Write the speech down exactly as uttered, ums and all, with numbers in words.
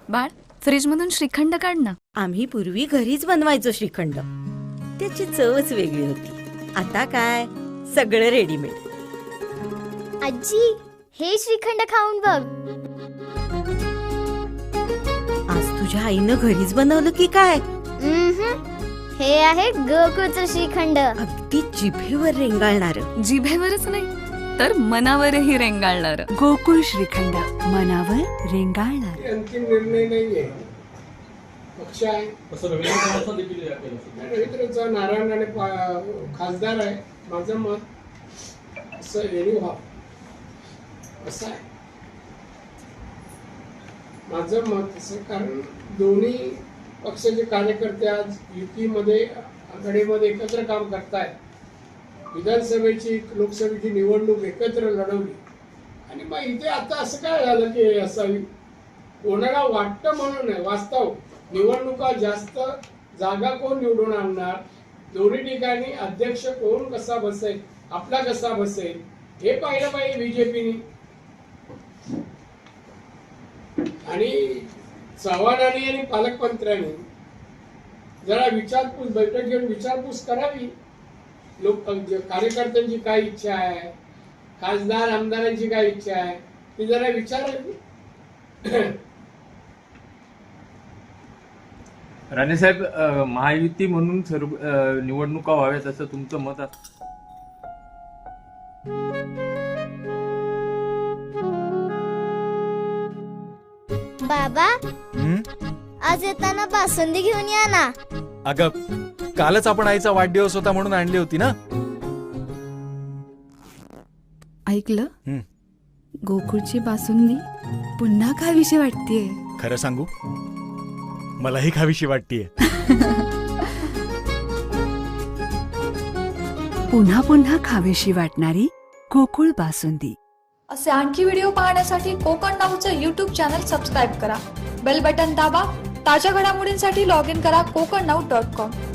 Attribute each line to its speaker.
Speaker 1: बाळ, फ्रीज मधून श्रीखंड काढ ना.
Speaker 2: आम्ही पूर्वी घरीच बनवायचो श्रीखंड. त्याची चवच वेगळी होती. आता काय सगळं रेडीमेड.
Speaker 3: आजी, हे श्रीखंड खाऊन बघ.
Speaker 2: आज तुझ्या आईनं घरीच बनवलं की काय?
Speaker 3: उम्हम. हे आहे गोकुळचं श्रीखंड.
Speaker 2: अगदी जिभेवर रेंगाळणार.
Speaker 1: जिभेवरच नाही तर मनावरही रेंगाळणार.
Speaker 4: गोकुळ श्रीखंड, मनावर रेंगाळणार.
Speaker 5: अंतिम निर्णय नाहीये. पक्ष आहे रवींद्रचा नारायण राणे खासदार आहे. माझं मत असं रेडी व्हा असं आहे. माझं मत असं, कारण दोन्ही पक्षाचे कार्यकर्ते आज युतीमध्ये आघाडीमध्ये एकत्र काम करतायत. विधानसभेची लोकसभेची निवडणूक एकत्र लढवली आणि मग इथे आता असं काय झालं की असावी. कोणाला वाटतं म्हणून नाही, वास्तव निवडणुका जास्त जागा कोण निवडून आणणार, दोन्ही ठिकाणी अध्यक्ष कोण कसा बसेल, आपला कसा बसेल हे पाहिलं पाहिजे बीजेपीने. आणि चव्हाणांनी आणि पालकमंत्र्यांनी जरा विचारपूस बैठक घेऊन विचारपूस करावी. लोक कार्यकर्त्यांची काय इच्छा आहे, खासदार आमदारांची काय इच्छा आहे ती जरा विचारावी.
Speaker 6: राणेसाहेब, महायुती म्हणून सर्व निवडणुका व्हाव्यात असं तुमचं मत असतं?
Speaker 3: बाबा, आज येताना बासुंदी घेऊन या ना.
Speaker 7: अगं, कालच आपण आईचा वाढदिवस होता म्हणून आणली होती ना.
Speaker 4: ऐकलं, गोकुळची बासुंदी पुन्हा खावीशी वाटतेय.
Speaker 7: खरं सांगू, मलाही खावीशी वाटतेय.
Speaker 4: पुन्हा पुन्हा खावीशी वाटणारी गोकुळ बासुंदी.
Speaker 8: असे आणखी व्हिडिओ पाहण्यासाठी कोकण नाऊचं यूट्यूब चॅनल सबस्क्राईब करा. बेल बटन दाबा. ताज्या घडामोडींसाठी लॉग इन करा कोकण नाऊ डॉट कॉम.